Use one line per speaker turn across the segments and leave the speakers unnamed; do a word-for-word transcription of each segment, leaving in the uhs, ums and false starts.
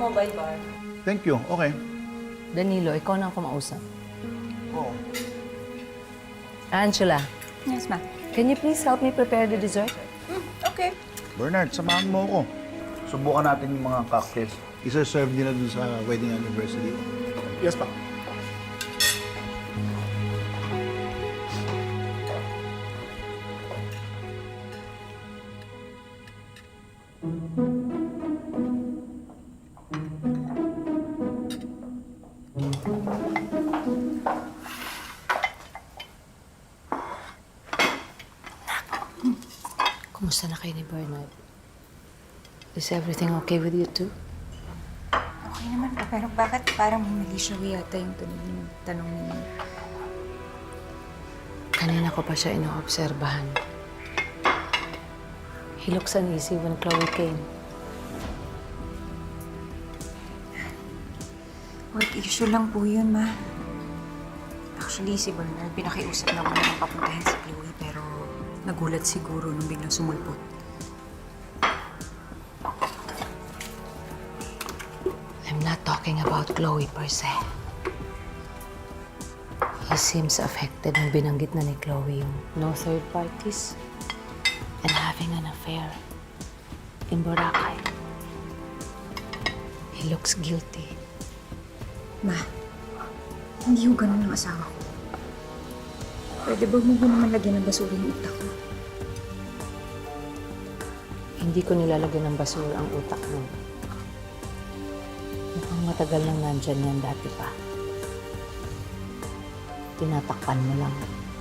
mobile bar.
Thank you. Okay.
Danilo, ikaw na ang kumausap.
Oo.
Angela,
Yes, ma'am.
can you please help me prepare the dessert?
Mm, okay.
Bernard, samahan mo ako. Subukan natin yung mga cocktails. Isa-serve nila dun sa wedding anniversary.
Yes, pa.
Kumusta na kayo ni Bernard? Is everything okay with you too?
Okay naman po, pero bakit parang humili siya yata yung tanong, yung tanong ninyo?
Kanina ko pa siya inoobserbahan. He looks uneasy when Chloe came.
Work issue lang po yun, ma. Actually, si Bernard, pinakiusap na muna ng papuntahin si Chloe, pero nagulat siguro nung biglang sumulpot.
I'm not talking about Chloe per se. He seems affected nung binanggit na ni Chloe yung no third parties and having an affair in Boracay. He looks guilty.
Ma, hindi ho ganun ang asawa ko. Pwede ba mo naman lagyan ng basura yung utak ko?
Hindi ko nilalagyan ng basura ang utak mo. Mukhang matagal nang nandyan yan dati pa. Tinatakpan mo lang.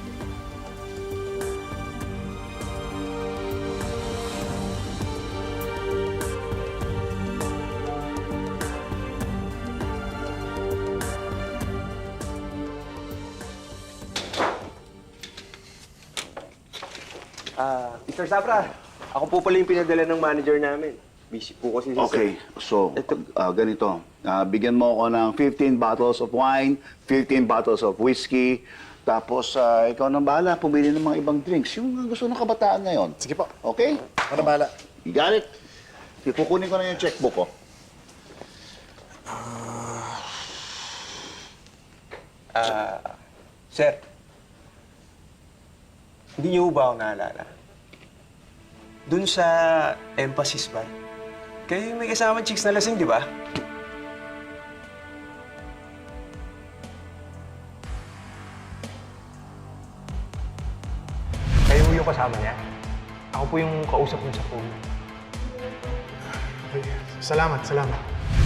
Ah, mister Zapra, ako po pala yung pinadala ng manager namin. Busy po kasi si
Okay, so, uh, ganito. Uh, bigyan mo ako ng fifteen bottles of wine, fifteen bottles of whiskey, tapos uh, ikaw nang bahala, pumili ng mga ibang drinks. Yung gusto ng kabataan ngayon.
Sige po.
Okay?
Ako na bahala.
You got it? Sige, kukunin ko na yung checkbook ko.
Ah, sir. Hindi niyo ba ako naalala? Doon sa Emphasis Bar. Kayo yung may kasama chicks na lasing, di ba?
Kayo yung kasama niya? Ako po yung kausap niya sa pool.
Okay. Salamat, salamat.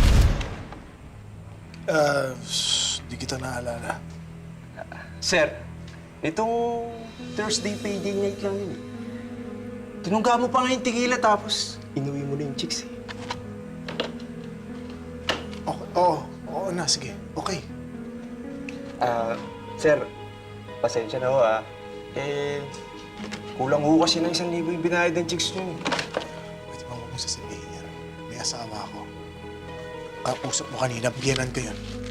Ah, di kita naalala.
Sir, itong Thursday payday night lang yun eh. Tinungga mo pa nga yung tequila tapos inuwi mo na yung chicks eh.
Okay, oo, oo na, sige. Okay.
Ah, sir, pasensya na ho ah. Eh, kulang ho kasi ng isang libo yung binayad ng chicks niyo.
Pwede bang huwag mong sasabihin yan? May asawa ako. Kausap mo kanina, biyanan ko yun.